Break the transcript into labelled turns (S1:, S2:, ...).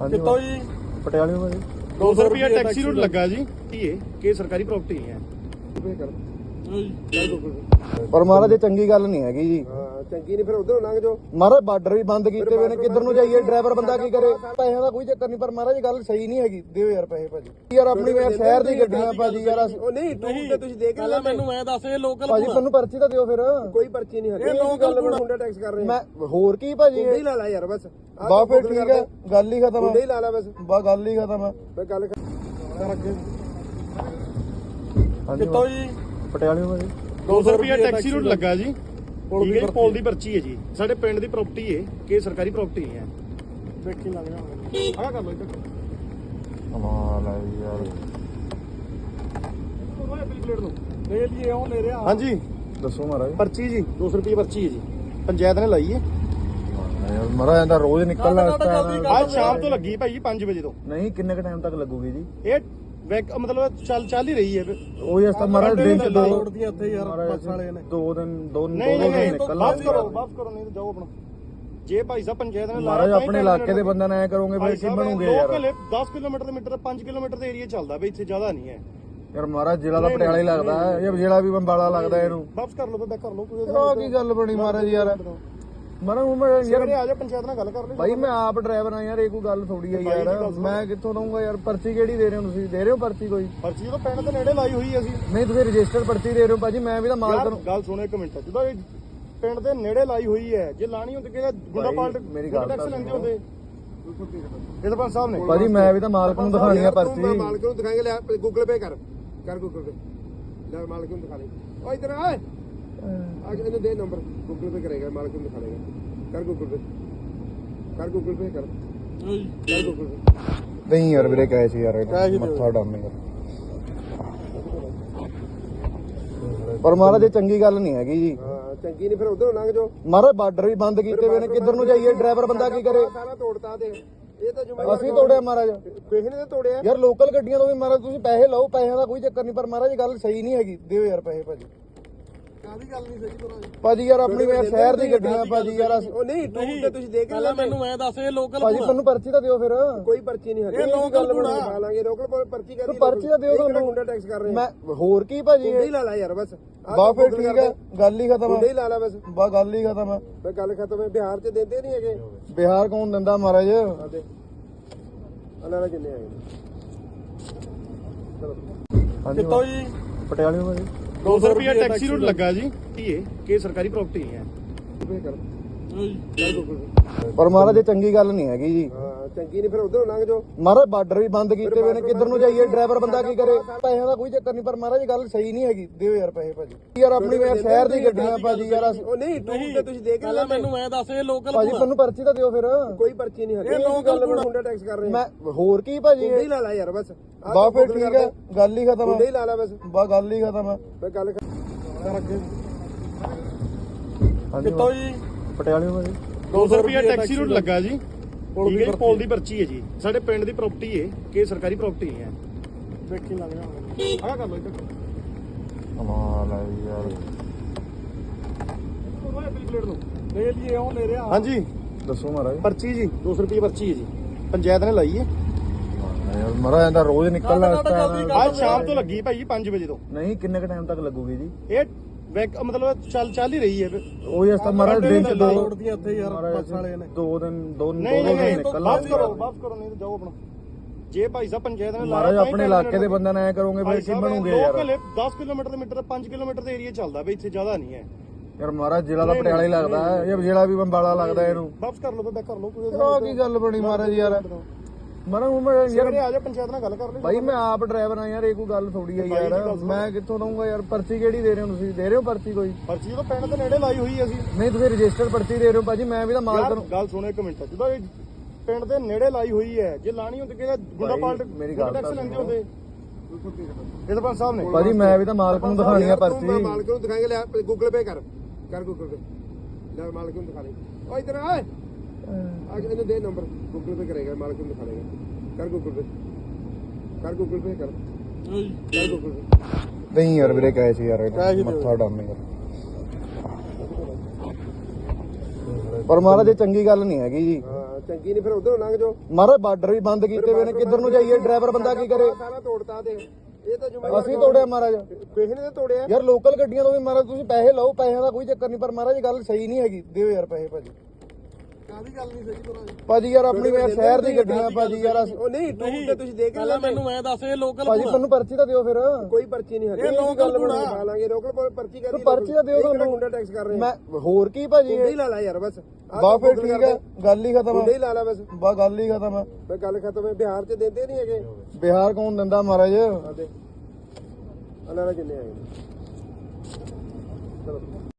S1: ਕਿੱਥੋਂ ਜੀ?
S2: ਪਟਿਆਲੇ ਤੋਂ ਜੀ
S1: 200 ਰੁਪਏ ਟੈਕਸੀ ਰੂਟ ਲੱਗਾ ਜੀ ਧੀਏ ਕਿ ਸਰਕਾਰੀ ਪ੍ਰਾਪਰਟੀ ਹੈ।
S2: ਪਰ ਮਹਾਰਾਜ ਇਹ ਚੰਗੀ ਗੱਲ ਨਹੀਂ ਹੈਗੀ ਜੀ।
S3: ਚੰਗੀ ਨਹੀਂ ਫਿਰ ਉਧਰੋਂ ਲੰਘ ਜਾਓ।
S2: ਮਹਾਰਾਜ ਬਾਰਡਰ ਵੀ ਬੰਦ ਕੀਤੇ ਹੋਏ ਨੇ, ਕਿੱਧਰ ਨੂੰ ਜਾਈਏ? ਡਰਾਈਵਰ ਬੰਦਾ ਕੀ ਕਰੇ? ਪੈਸਿਆਂ ਦਾ ਕੋਈ ਚੱਕਰ ਨਹੀਂ, ਪਰ ਮਹਾਰਾਜ ਇਹ ਗੱਲ ਸਹੀ ਨਹੀਂ ਹੈਗੀ। ਦਿਓ ਯਾਰ ਪੈਸੇ ਭਾਜੀ। ਯਾਰ ਆਪਣੀ ਸ਼ਹਿਰ ਦੀ ਗੱਡੀਆਂ ਭਾਜੀ ਯਾਰ।
S3: ਉਹ ਨਹੀਂ ਟੂਰ ਤੇ ਤੁਸੀਂ ਦੇਖ
S1: ਪਹਿਲਾਂ ਮੈਨੂੰ ਐ ਦੱਸ ਇਹ ਲੋਕਲ
S2: ਭਾਜੀ ਤੁਹਾਨੂੰ ਪਰਚੀ ਤਾਂ ਦਿਓ ਫਿਰ।
S3: ਕੋਈ ਪਰਚੀ ਨਹੀਂ ਹੈ।
S1: ਇਹ ਲੋਕਲ
S3: ਮੁੰਡਾ ਟੈਕਸ ਕਰ ਰਹੇ
S2: ਮੈਂ ਹੋਰ ਕੀ ਭਾਜੀ?
S3: ਮੁੰਡੇ ਹੀ ਲਾ ਲਾ ਯਾਰ ਬਸ।
S2: ਬਾ ਫਿਰ ਠੀਕ ਹੈ, ਗੱਲ ਹੀ ਖਤਮ
S3: ਮੁੰਡੇ ਹੀ
S2: ਹੈ।
S3: ਲਾ ਲਾ ਬਸ।
S2: ਬਾ ਗੱਲ ਹੀ ਖਤਮ ਹੈ।
S3: ਮੈਂ ਗੱਲ ਕਰ ਅੱਗੇ।
S1: ਕਿੱਥੋਂ ਜੀ?
S2: ਪਟਿਆਲੇ ਤੋਂ ਜੀ
S1: 200 ਰੁਪਏ ਟੈਕਸੀ ਰੂਟ ਲੱਗਾ ਜੀ। ਠੀਕ ਹੈ, ਪੋਲ ਦੀ ਪਰਚੀ ਹੈ ਜੀ। ਸਾਡੇ ਪਿੰਡ ਦੀ ਪ੍ਰਾਪਰਟੀ ਹੈ ਕਿ ਸਰਕਾਰੀ ਪ੍ਰਾਪਰਟੀ ਹੈ।
S3: ਵੇਖੀ ਲੱਗ ਜਾ
S1: ਆਹ ਕਰ ਲਓ ਇੱਧਰ।
S2: ਕਮਾਲ ਹੈ ਯਾਰ।
S1: ਪਲੇਟ ਨੂੰ ਲੈ ਲਈਏ ਉਹ ਲੈ ਰਿਹਾ।
S2: ਹਾਂਜੀ ਦੱਸੋ ਮਹਾਰਾਜ।
S1: ਪਰਚੀ ਜੀ 200 ਰੁਪਏ ਪਰਚੀ ਹੈ ਜੀ, ਪੰਚਾਇਤ ਨੇ ਲਾਈ ਹੈ।
S2: ਯਾਰ ਮਹਾਰਾਜ ਇਹਦਾ ਰੋਜ਼ ਨਿਕਲਣਾ ਇਸ ਟਾਈਮ।
S1: ਅੱਜ ਸ਼ਾਮ ਤੋਂ ਲੱਗੀ ਭਾਈ 5 ਵਜੇ ਤੋਂ।
S2: ਨਹੀਂ ਕਿੰਨੇ ਕ ਟਾਈਮ ਤੱਕ ਲੱਗੂਗੀ ਜੀ?
S1: ਇਹ ਮਤਲਬ ਚੱਲ ਹੀ ਰਹੀ ਹੈ।
S2: ਉਹ ਇਸ ਤਾਂ ਮਹਾਰਾਜ ਦਿਨ ਚ ਦੋ
S1: ਦੀਆਂ ਇੱਥੇ ਯਾਰ ਬੱਸ ਵਾਲੇ ਨੇ।
S2: ਦੋ ਦਿਨ
S1: ਨਹੀਂ
S2: ਨਿਕਲਣਾ।
S1: ਵਾਪਸ ਕਰੋ ਨਹੀਂ ਤਾਂ ਜਾਓ ਆਪਣਾ। ਜੇ ਭਾਈ ਸਾਹਿਬ ਪੰਚਾਇਤ ਨੇ
S2: ਮਹਾਰਾਜ ਆਪਣੇ ਇਲਾਕੇ ਦੇ ਬੰਦਿਆਂ ਨਾਲ ਐ ਕਰੋਗੇ ਭਾਈ ਕੀ ਬਣੂਗੇ ਯਾਰ?
S1: 10 ਕਿਲੋਮੀਟਰ ਦੇ ਮੀਟਰ 5 ਕਿਲੋਮੀਟਰ ਦੇ ਏਰੀਆ ਚੱਲਦਾ ਬਈ, ਇੱਥੇ ਜ਼ਿਆਦਾ ਨਹੀਂ ਹੈ
S2: ਯਾਰ। ਮਹਾਰਾਜ ਜ਼ਿਲ੍ਹਾ ਦਾ ਪਟਿਆਲਾ ਹੀ ਲੱਗਦਾ ਹੈ, ਇਹ ਜ਼ਿਲ੍ਹਾ ਵੀ ਬੰਬਾਲਾ ਲੱਗਦਾ ਇਹਨੂੰ।
S1: ਵਾਪਸ ਕਰ ਲਓ ਤਾਂ ਕਰ ਲਓ ਕੋਈ।
S2: ਆਹ ਕੀ ਗੱਲ ਬਣੀ ਮਹਾਰਾਜ ਯਾਰ? ਮਹਾਰਾਜ ਯਾਰ
S1: ਆ ਜਾ ਪੰਚਾਇਤ ਨਾਲ ਗੱਲ ਕਰ ਲਈ।
S2: ਭਾਈ ਮੈਂ ਆਪ ਡਰਾਈਵਰ ਆ ਯਾਰ, ਇਹ ਕੋਈ ਗੱਲ ਥੋੜੀ ਆ ਯਾਰ। ਮੈਂ ਕਿੱਥੋਂ ਦਊਂਗਾ ਯਾਰ? ਪਰਚੀ ਕਿਹੜੀ ਦੇ ਰਹੇ ਹੋ ਤੁਸੀਂ? ਦੇ ਰਹੇ ਹੋ ਪਰਚੀ ਕੋਈ?
S1: ਪਰਚੀ ਤਾਂ ਪਿੰਡ ਦੇ ਨੇੜੇ ਲਾਈ ਹੋਈ ਹੈ ਅਸੀਂ।
S2: ਨਹੀਂ ਤੁਸੀਂ ਰਜਿਸਟਰ ਪਰਚੀ ਦੇ ਰਹੇ ਹੋ ਭਾਜੀ। ਮੈਂ ਵੀ ਤਾਂ ਮਾਲਕ ਨੂੰ
S1: ਗੱਲ ਸੁਣੋ ਇੱਕ ਮਿੰਟ। ਜਦੋਂ ਇਹ ਪਿੰਡ ਦੇ ਨੇੜੇ ਲਾਈ ਹੋਈ ਹੈ, ਜੇ ਲਾਣੀ ਹੁੰਦੀ ਕਿ ਗੁੰਡਾ ਪਾਲਟ
S2: ਮੇਰੀ ਗੱਲ
S1: ਟੈਕਸ ਲੈਂਦੇ ਹੁੰਦੇ ਇਹ ਤਾਂ ਪੰਜ ਸਾਹਿਬ ਨੇ।
S2: ਭਾਜੀ ਮੈਂ ਵੀ ਤਾਂ ਮਾਲਕ ਨੂੰ ਦਿਖਾਣੀ ਆ ਪਰਚੀ।
S3: ਮਾਲਕ ਨੂੰ ਦਿਖਾਏਗਾ। ਲੈ ਗੂਗਲ ਪੇ ਕਰ ਗੂਗਲ ਪੇ। ਲੈ ਮਾਲਕ ਨੂੰ ਦਿਖਾ ਲੈ। ਓ ਇਧਰ ਆ ਇਹਨੂੰ ਦੇ ਨੰਬਰ। ਗੂਗਲ ਪੇ ਕਰੇਗਾ, ਮਾਲਕ ਨੂੰ ਦਿਖਾ ਲੇਗਾ। ਕਰ ਗੂਗਲ ਪੇ ਕਰ ਗੂਗਲ ਪੇ ਕਰ ਗੂਗਲ ਪੇ।
S2: ਨਹੀਂ ਯਾਰ ਵੀਰੇ ਕਹੇ ਸੀ ਯਾਰ, ਮੱਥਾ ਡਾਮੇਗਾ। ਪਰ ਮਹਾਰਾਜ ਇਹ ਚੰਗੀ ਗੱਲ ਨਹੀਂ ਹੈਗੀ ਜੀ।
S3: ਚੰਗੀ ਨਹੀਂ ਫਿਰ ਉਧਰੋਂ ਲੰਘ ਜਾਓ।
S2: ਮਹਾਰਾਜ ਬਾਰਡਰ ਵੀ ਬੰਦ ਕੀਤੇ ਹੋਏ ਨੇ, ਕਿੱਧਰ ਨੂੰ ਜਾਈਏ? ਡਰਾਈਵਰ ਬੰਦਾ ਕੀ ਕਰੇ?
S3: ਸਾਰਾ ਤੋੜਤਾ ਦੇ। ਇਹ ਤਾਂ
S2: ਅਸੀਂ ਤੋੜਿਆ ਮਹਾਰਾਜ।
S3: ਕਿਸੇ ਨੇ ਤਾਂ ਤੋੜਿਆ
S2: ਯਾਰ ਲੋਕਲ ਗੱਡੀਆਂ ਤੋਂ ਵੀ ਮਹਾਰਾਜ ਤੁਸੀਂ ਪੈਸੇ ਲਓ, ਪੈਸਿਆਂ ਦਾ ਕੋਈ ਚੱਕਰ ਨਹੀਂ, ਪਰ ਮਹਾਰਾਜ ਇਹ ਗੱਲ ਸਹੀ ਨਹੀਂ ਹੈਗੀ। ਦਿਓ ਯਾਰ ਪੈਸੇ ਭਾਜੀ।
S3: ਕਾਹਦੀ ਗੱਲ ਨਹੀਂ ਸਹੀ ਤੋੜਾ
S2: ਭਾਜੀ ਯਾਰ ਆਪਣੀ ਸ਼ਹਿਰ ਦੀ ਗੱਡੀਆਂ ਭਾਜੀ ਯਾਰ।
S3: ਉਹ ਨਹੀਂ ਟੂਰ ਤੇ ਤੁਸੀਂ ਦੇਖ
S1: ਪਹਿਲਾਂ ਮੈਨੂੰ ਐ ਦੱਸ ਇਹ ਲੋਕਲ
S2: ਭਾਜੀ ਤੁਹਾਨੂੰ ਪਰਚੀ ਤਾਂ ਦਿਓ ਫਿਰ।
S3: ਕੋਈ ਪਰਚੀ ਨਹੀਂ ਹੈ।
S1: ਇਹ ਲੋਕਲ
S3: ਬਣਾ ਲਾਂਗੇ। ਲੋਕਲ ਪਰਚੀ ਕਰ
S2: ਪਰਚੀ ਤਾਂ ਦਿਓ ਤੁਹਾਨੂੰ।
S3: ਮੁੰਡਾ ਟੈਕਸ ਕਰ ਰਹੇ
S2: ਮੈਂ ਹੋਰ ਕੀ ਭਾਜੀ?
S3: ਮੁੰਡੇ ਹੀ ਲਾ ਲਾ ਯਾਰ ਬਸ।
S2: ਬਾ ਫਿਰ ਠੀਕ ਹੈ, ਗੱਲ ਹੀ ਖਤਮ
S3: ਮੁੰਡੇ
S2: ਹੈ।
S3: ਹੀ ਲਾ ਲਾ ਬਸ।
S2: ਬਾ ਗੱਲ ਹੀ ਖਤਮ ਹੈ।
S3: ਮੈਂ ਗੱਲ ਖਤਮ ਹੈ। ਬਿਹਾਰ ਚ ਦਿੰਦੇ ਨਹੀਂ ਹੈਗੇ।
S2: ਬਿਹਾਰ ਕੌਣ ਦਿੰਦਾ ਮਹਾਰਾਜ?
S3: ਆਦੇ ਅਲਾਰਾ ਕਿੰਨੇ ਆਏ ਚਲੋ।
S2: ਹਾਂਜੀ
S1: ਕਿੱਥੋਂ ਜੀ?
S2: ਪਟਿਆਲੇ ਤੋਂ ਜੀ
S1: 200 ਰੁਪਏ ਟੈਕਸੀ ਰੂਟ ਲੱਗਾ ਜੀ ਧੀਏ ਕਿ ਸਰਕਾਰੀ ਪ੍ਰਾਪਰਟੀ ਹੈ।
S3: ਪੇ ਕਰ ਗੂਗਲ ਪੇ।
S2: ਪਰ ਮਹਾਰਾਜ ਇਹ ਚੰਗੀ ਗੱਲ ਨਹੀਂ ਹੈਗੀ ਜੀ।
S3: ਚੰਗੀ ਨਹੀਂ ਫਿਰ ਉਧਰੋਂ ਲੰਘ ਜਾਓ।
S2: ਮਹਾਰਾਜ ਬਾਰਡਰ ਵੀ ਬੰਦ ਕੀਤੇ ਹੋਏ ਨੇ, ਕਿੱਧਰ ਨੂੰ ਜਾਈਏ? ਡਰਾਈਵਰ ਬੰਦਾ ਕੀ ਕਰੇ? ਪੈਸਿਆਂ ਦਾ ਕੋਈ ਚੱਕਰ ਨਹੀਂ, ਪਰ ਮਹਾਰਾਜ ਇਹ ਗੱਲ ਸਹੀ ਨਹੀਂ ਹੈਗੀ। ਦਿਓ ਯਾਰ ਪੈਸੇ ਭਾਜੀ। ਯਾਰ ਆਪਣੀ ਸ਼ਹਿਰ ਦੀ ਗੱਡੀਆਂ ਭਾਜੀ ਯਾਰ।
S3: ਉਹ ਨਹੀਂ ਟੂਰ ਤੇ ਤੁਸੀਂ ਦੇਖ
S1: ਪਹਿਲਾਂ ਮੈਨੂੰ ਐ ਦੱਸ ਇਹ ਲੋਕਲ
S2: ਭਾਜੀ ਤੁਹਾਨੂੰ ਪਰਚੀ ਤਾਂ ਦਿਓ ਫਿਰ।
S3: ਕੋਈ ਪਰਚੀ ਨਹੀਂ ਹੈ।
S1: ਇਹ ਲੋਕਲ
S3: ਮੁੰਡਾ ਟੈਕਸ ਕਰ ਰਹੇ
S2: ਮੈਂ ਹੋਰ ਕੀ ਭਾਜੀ?
S3: ਮੁੰਡੇ ਹੀ ਲਾ ਲਾ ਯਾਰ ਬਸ।
S2: ਬਾ ਫਿਰ ਠੀਕ ਹੈ, ਗੱਲ ਹੀ ਖਤਮ
S3: ਮੁੰਡੇ ਹੀ
S2: ਹੈ।
S3: ਲਾ ਲਾ ਬਸ।
S2: ਬਾ ਗੱਲ ਹੀ ਖਤਮ ਹੈ।
S3: ਮੈਂ ਗੱਲ ਕਰ ਅੱਗੇ।
S2: ਹਾਂਜੀ
S1: ਕਿੱਥੋਂ ਜੀ?
S2: ਪਟਿਆਲੇ ਤੋਂ ਜੀ
S1: 200 ਰੁਪਏ ਟੈਕਸੀ ਰੂਟ ਲੱਗਾ ਜੀ। ਠੀਕ ਹੈ, ਪੋਲ ਦੀ ਪਰਚੀ ਹੈ ਜੀ। ਸਾਡੇ ਪਿੰਡ ਦੀ ਪ੍ਰਾਪਰਟੀ ਹੈ ਕਿ ਸਰਕਾਰੀ ਪ੍ਰਾਪਰਟੀ ਹੈ।
S3: ਵੇਖੀ ਲੱਗ ਜਾ
S1: ਆਹ ਕਰ ਲਓ ਇੱਧਰ।
S2: ਕਮਾਲ ਹੈ ਯਾਰ।
S1: ਪਲੇਟ ਨੂੰ ਲੈ ਲਈਏ ਉਹ ਲੈ ਰਿਹਾ।
S2: ਹਾਂਜੀ ਦੱਸੋ ਮਹਾਰਾਜ।
S1: ਪਰਚੀ ਜੀ 200 ਰੁਪਏ ਪਰਚੀ ਹੈ ਜੀ, ਪੰਚਾਇਤ ਨੇ ਲਾਈ ਹੈ।
S2: ਯਾਰ ਮਹਾਰਾਜ ਇਹਦਾ ਰੋਜ਼ ਨਿਕਲਣਾ ਇਸ ਟਾਈਮ।
S1: ਅੱਜ ਸ਼ਾਮ ਤੋਂ ਲੱਗੀ ਭਾਈ 5 ਵਜੇ ਤੋਂ।
S2: ਨਹੀਂ ਕਿੰਨੇ ਕ ਟਾਈਮ ਤੱਕ ਲੱਗੂਗੀ ਜੀ?
S1: ਇਹ ਮਤਲਬ ਚੱਲ ਹੀ ਰਹੀ ਹੈ।
S2: ਉਹ ਇਸ ਤਾਂ ਮਹਾਰਾਜ ਦਿਨ ਚ ਦੋ
S1: ਦੀਆਂ ਇੱਥੇ ਯਾਰ ਬੱਸ ਵਾਲੇ ਨੇ।
S2: ਦੋ ਦਿਨ
S1: ਨਹੀਂ
S2: ਨਿਕਲਣਾ।
S1: ਵਾਪਸ ਕਰੋ ਨਹੀਂ ਤਾਂ ਜਾਓ ਆਪਣਾ। ਜੇ ਭਾਈ ਸਾਹਿਬ ਪੰਚਾਇਤ ਨੇ
S2: ਮਹਾਰਾਜ ਆਪਣੇ ਇਲਾਕੇ ਦੇ ਬੰਦਿਆਂ ਨਾਲ ਐ ਕਰੋਗੇ ਭਾਈ ਕੀ ਬਣੂਗੇ ਯਾਰ?
S1: 10 ਕਿਲੋਮੀਟਰ ਦੇ ਮੀਟਰ 5 ਕਿਲੋਮੀਟਰ ਦੇ ਏਰੀਆ ਚੱਲਦਾ ਬਈ, ਇੱਥੇ ਜ਼ਿਆਦਾ ਨਹੀਂ ਹੈ
S2: ਯਾਰ। ਮਹਾਰਾਜ ਜ਼ਿਲ੍ਹਾ ਦਾ ਪਟਿਆਲਾ ਹੀ ਲੱਗਦਾ ਹੈ, ਇਹ ਜ਼ਿਲ੍ਹਾ ਵੀ ਬੰਬਾਲਾ ਲੱਗਦਾ ਇਹਨੂੰ।
S1: ਵਾਪਸ ਕਰ ਲਓ ਤਾਂ ਕਰ ਲਓ ਕੋਈ।
S2: ਆਹ ਕੀ ਗੱਲ ਬਣੀ ਮਹਾਰਾਜ ਯਾਰ? ਮਹਾਰਾਜ ਯਾਰ
S1: ਆ ਜਾ ਪੰਚਾਇਤ ਨਾਲ ਗੱਲ ਕਰ ਲਈ।
S2: ਭਾਈ ਮੈਂ ਆਪ ਡਰਾਈਵਰ ਆ ਯਾਰ, ਇਹ ਕੋਈ ਗੱਲ ਥੋੜੀ ਆ ਯਾਰ। ਮੈਂ ਕਿੱਥੋਂ ਦਊਂਗਾ ਯਾਰ? ਪਰਚੀ ਕਿਹੜੀ ਦੇ ਰਹੇ ਹੋ ਤੁਸੀਂ? ਦੇ ਰਹੇ ਹੋ ਪਰਚੀ ਕੋਈ?
S1: ਪਰਚੀ ਤਾਂ ਪਿੰਡ ਦੇ ਨੇੜੇ ਲਾਈ ਹੋਈ ਅਸੀਂ।
S2: ਨਹੀਂ ਤੁਸੀਂ ਰਜਿਸਟਰ ਪਰਚੀ ਦੇ ਰਹੇ ਹੋ ਭਾਜੀ। ਮੈਂ ਵੀ ਤਾਂ ਮਾਲਕ ਨੂੰ।
S1: ਗੱਲ ਸੁਣੋ ਇੱਕ ਮਿੰਟ। ਜਦੋਂ ਇਹ ਪਿੰਡ ਦੇ ਨੇੜੇ ਲਾਈ ਹੋਈ ਹੈ, ਜੇ ਲਾਣੀ ਹੁੰਦੀ ਕਿ ਗੁੰਡਾ ਪਾਲਟ
S2: ਮੇਰੀ ਗੱਲ
S1: ਟੈਕਸ ਲੈਂਦੇ ਹੁੰਦੇ ਇਹ ਤਾਂ ਪੰਜ ਸਾਹਿਬ ਨੇ।
S2: ਭਾਜੀ ਮੈਂ ਵੀ ਤਾਂ ਮਾਲਕ ਨੂੰ ਦਿਖਾਣੀ ਆ ਪਰਚੀ।
S3: ਮਾਲਕ ਨੂੰ ਦਿਖਾਏਗਾ। ਲੈ ਗੂਗਲ ਪੇ ਕਰ ਗੂਗਲ ਪੇ। ਲੈ ਮਾਲਕ ਨੂੰ ਦਿਖਾ ਲੈ। ਓ ਇਧਰ ਆ ਇਹਨੂੰ ਦੇ ਨੰਬਰ। ਗੂਗਲ ਪੇ ਕਰੇਗਾ, ਮਾਲਕ ਨੂੰ ਦਿਖਾ ਲੇਗਾ। ਕਰ ਗੂਗਲ ਪੇ ਗੂਗਲ ਪੇ ਕਰ ਗੂਗਲ ਪੇ।
S2: ਨਹੀਂ ਯਾਰ ਵੀਰੇ ਕਹੇ ਸੀ ਯਾਰ, ਮੱਥਾ ਡਾਮੇਗਾ। ਪਰ ਮਹਾਰਾਜ ਇਹ ਚੰਗੀ ਗੱਲ ਨਹੀਂ ਹੈਗੀ ਜੀ।
S3: ਚੰਗੀ ਨਹੀਂ ਫਿਰ ਉਧਰੋਂ ਲੰਘ ਜਾਓ
S2: ਮਹਾਰਾਜ ਬਾਰਡਰ ਵੀ ਬੰਦ ਕੀਤੇ ਹੋਏ ਨੇ, ਕਿੱਧਰ ਨੂੰ ਜਾਈਏ? ਡਰਾਈਵਰ ਬੰਦਾ ਕੀ ਕਰੇ?
S3: ਸਾਰਾ ਤੋੜਤਾ ਦੇ ਇਹ ਤਾਂ ਜ਼ਿੰਮੇਵਾਰ
S2: ਅਸੀਂ ਤੋੜਿਆ ਮਹਾਰਾਜ।
S3: ਕਿਸੇ ਨੇ ਤਾਂ ਤੋੜਿਆ
S2: ਯਾਰ ਲੋਕਲ ਗੱਡੀਆਂ ਤੋਂ ਵੀ ਮਹਾਰਾਜ ਤੁਸੀਂ ਪੈਸੇ ਲਓ, ਪੈਸਿਆਂ ਦਾ ਕੋਈ ਚੱਕਰ ਨਹੀਂ, ਪਰ ਮਹਾਰਾਜ ਗੱਲ ਸਹੀ ਨਹੀਂ ਹੈਗੀ। ਦਿਓ ਯਾਰ ਪੈਸੇ ਭਾਜੀ।
S3: ਕਾਹਦੀ ਗੱਲ ਨਹੀਂ ਸਹੀ ਭਰਾ
S2: ਭਾਜੀ ਯਾਰ ਆਪਣੀ ਯਾਰ ਸ਼ਹਿਰ ਦੀ ਗੱਡੀਆਂ ਭਾਜੀ ਯਾਰ
S3: ਉਹ ਨਹੀਂ ਟੂਰ ਤੇ ਤੁਸੀਂ ਦੇਖ ਰਹੇ
S4: ਮੈਨੂੰ ਐ ਦੱਸ ਇਹ ਲੋਕਲ
S2: ਭਾਜੀ ਤੁਹਾਨੂੰ ਪਰਚੀ ਤਾਂ ਦਿਓ ਫਿਰ।
S3: ਕੋਈ ਪਰਚੀ ਨਹੀਂ ਹੈ
S4: ਇਹ ਲੋਕਲ
S3: ਬਣਾ ਲਾਂਗੇ ਲੋਕਲ ਪਰਚੀ ਕਰਦੀ
S2: ਪਰਚੀ ਤਾਂ ਦਿਓ ਤੁਹਾਨੂੰ।
S3: ਗੁੰਡਾ ਟੈਕਸ ਕਰ ਰਹੇ
S2: ਮੈਂ ਹੋਰ ਕੀ ਭਾਜੀ?
S3: ਗੁੰਡਾ ਹੀ ਲਾ ਲਾ ਯਾਰ ਬਸ
S2: ਬਾ ਫਿਰ ਠੀਕ ਹੈ, ਗੱਲ ਹੀ ਖਤਮ
S3: ਗੁੰਡਾ ਹੀ
S2: ਹੈ।
S3: ਲਾ ਲਾ ਬਸ
S2: ਬਾ ਗੱਲ ਹੀ ਖਤਮ ਹੈ।
S3: ਮੈਂ ਗੱਲ ਖਤਮ ਹੈ ਬਿਹਾਰ ਚ ਦਿੰਦੇ ਨਹੀਂ ਹੈਗੇ
S2: ਬਿਹਾਰ ਕੌਣ ਦਿੰਦਾ ਮਹਾਰਾਜ?
S3: ਆਦੇ ਅਨਾਰਾ ਜਿੰਨੇ ਆਏ ਚਲੋ